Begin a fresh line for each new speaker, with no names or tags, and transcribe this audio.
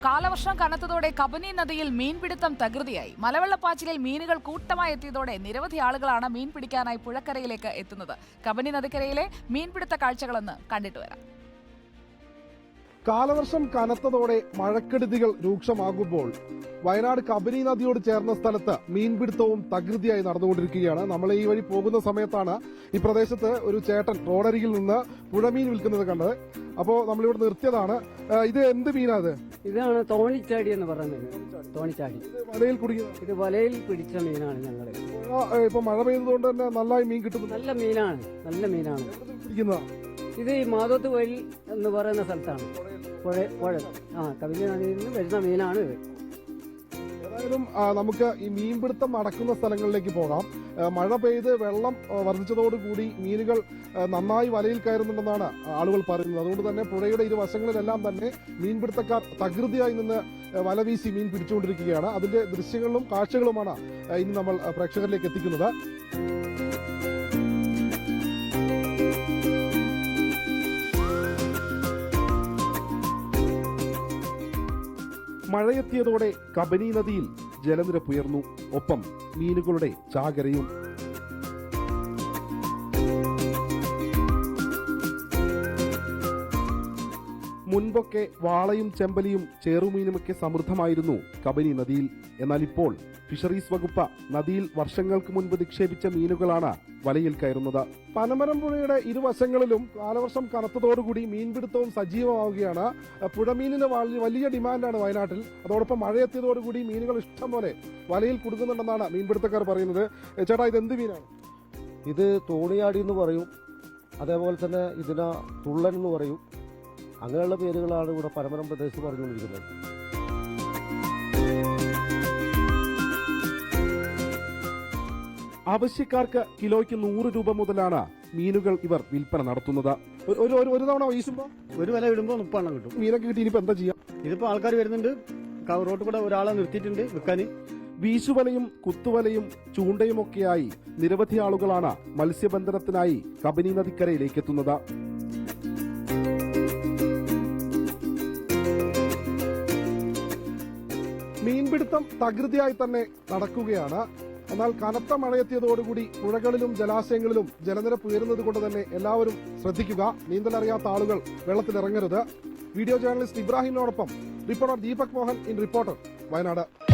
കാലവർഷം കനത്തതോടെ കബനി നദിയിൽ മീൻപിടുത്തം തകൃതിയായി. മലവെള്ളപ്പാച്ചിലിൽ മീനുകൾ കൂട്ടമായി എത്തിയതോടെ നിരവധി ആളുകളാണ് മീൻ പിടിക്കാനായി പുഴക്കരയിലേക്ക് എത്തുന്നത്. കബനി നദിക്കരയിലെ മീൻപിടുത്ത കാഴ്ചകളൊന്ന് കണ്ടിട്ട് വരാം.
കാലവർഷം കനത്തതോടെ മഴക്കെടുതികൾ രൂക്ഷമാകുമ്പോൾ വയനാട് കബനി നദിയോട് ചേർന്ന സ്ഥലത്ത് മീൻപിടുത്തവും തകൃതിയായി നടന്നുകൊണ്ടിരിക്കുകയാണ്. നമ്മൾ ഈ വഴി പോകുന്ന സമയത്താണ് ഈ പ്രദേശത്ത് ഒരു ചേട്ടൻ റോഡരികിൽ നിന്ന് പുഴമീൻ വിൽക്കുന്നത് കണ്ടത്. അപ്പോൾ നമ്മളിവിടെ നിർത്തിയതാണ്. ഇത് എന്ത് മീനാത്?
ഇതാണ് തോണിച്ചാടി എന്ന് പറയുന്നത്. തോണിച്ചാടി
വലയിൽ കുടുങ്ങിയ
ഇത് വലയിൽ പിടിച്ച മീനാണ്. ഞങ്ങള്
ഇപ്പൊ മഴ പെയ്തതുകൊണ്ട് തന്നെ നന്നായി മീൻ കിട്ടുന്നു.
നല്ല മീനാണ്, നല്ല മീനാണ്.
പിടിക്കുന്നതാ
ഇത് ഈ മാധവത്ത് വഴി എന്ന് പറയുന്ന സ്ഥലത്താണ്. പുഴ കബനി നദിയിൽ നിന്ന് വരുന്ന മീനാണ് ഇത്.
ഏതായാലും നമുക്ക് ഈ മീൻപിടുത്തം നടക്കുന്ന സ്ഥലങ്ങളിലേക്ക് പോകാം. മഴ പെയ്ത് വെള്ളം വർദ്ധിച്ചതോടുകൂടി മീനുകൾ നന്നായി വലയിൽ കയറുന്നുണ്ടെന്നാണ് ആളുകൾ പറയുന്നത്. അതുകൊണ്ട് തന്നെ പുഴയുടെ ഇരുവശങ്ങളിലെല്ലാം തന്നെ മീൻപിടുത്തക്കാർ തകൃതിയായി നിന്ന് വല വീശി മീൻ പിടിച്ചുകൊണ്ടിരിക്കുകയാണ്. അതിന്റെ ദൃശ്യങ്ങളും കാഴ്ചകളുമാണ് ഇനി നമ്മൾ പ്രേക്ഷകരിലേക്ക് എത്തിക്കുന്നത്. മഴയെത്തിയതോടെ കബനി നദിയിൽ ജലനിരപ്പുയർന്നു. ഒപ്പം മീനുകളുടെ ചാകരയും. മുൻപൊക്കെ വാളയും ചെമ്പലിയും ചേറുമീനുമൊക്കെ സമൃദ്ധമായിരുന്നു കബനി നദിയിൽ. എന്നാൽ ഇപ്പോൾ ഫിഷറീസ് വകുപ്പ് നദിയിൽ വർഷങ്ങൾക്ക് മുൻപ് നിക്ഷേപിച്ച മീനുകളാണ് വലയിൽ കയറുന്നത്. പനമരം പുഴയുടെ ഇരുവശങ്ങളിലും കാലവർഷം കനത്തതോടുകൂടി മീൻപിടുത്തവും സജീവമാവുകയാണ്. പുഴമീനിന് വലിയ ഡിമാൻഡാണ് വയനാട്ടിൽ. അതോടൊപ്പം മഴയെത്തിയതോടുകൂടി മീനുകൾ ഇഷ്ടം പോലെ വലയിൽ കുടുങ്ങുന്നുണ്ടെന്നാണ് മീൻപിടുത്തക്കാർ പറയുന്നത്. ചേട്ടാ, ഇത് എന്ത് മീനാണ്?
ഇത് തോണിയാടി എന്ന് പറയും, അതേപോലെ തന്നെ ഇതിന തുള്ളൻ എന്ന് പറയും. അങ്ങനെയുള്ള പേരുകളാണ് ഇവിടെ പനമരം പ്രദേശത്ത് പറഞ്ഞുകൊണ്ടിരിക്കുന്നത്.
ആവശ്യക്കാർക്ക് കിലോയ്ക്ക് 100 രൂപ മുതലാണ് മീനുകൾ ഇവർ വിൽപ്പന നടത്തുന്നത്. ഒരു തവണ വീശുമ്പോ
ഒരു വില ഇടുമ്പോൾ 30 കിട്ടും.
മീനൊക്കെ കിട്ടി ഇനിയിപ്പോ എന്താ ചെയ്യാം?
ഇതിപ്പോ ആൾക്കാർ വരുന്നുണ്ട്, റോട്ടിൽ കൂടെ ഒരാളെ നിർത്തിയിട്ടുണ്ട് വിൽക്കാൻ.
വീശുവലയും കുത്തുവലയും ചൂണ്ടയുമൊക്കെയായി നിരവധി ആളുകളാണ് മത്സ്യബന്ധനത്തിനായി കബനി നദിക്കരയിലേക്ക് എത്തുന്നത്. മീൻപിടുത്തം തകൃതിയായി തന്നെ നടക്കുകയാണ്. എന്നാൽ കനത്ത മഴയെത്തിയതോടുകൂടി പുഴകളിലും ജലാശയങ്ങളിലും ജലനിരപ്പ് ഉയരുന്നത് കൊണ്ട് തന്നെ എല്ലാവരും ശ്രദ്ധിക്കുക. നീന്തലറിയാത്ത ആളുകൾ വെള്ളത്തിലിറങ്ങരുത്. വീഡിയോ ജേർണലിസ്റ്റ് ഇബ്രാഹിമിനോടൊപ്പം reporter Deepak Mohan in reporter, Wayanad.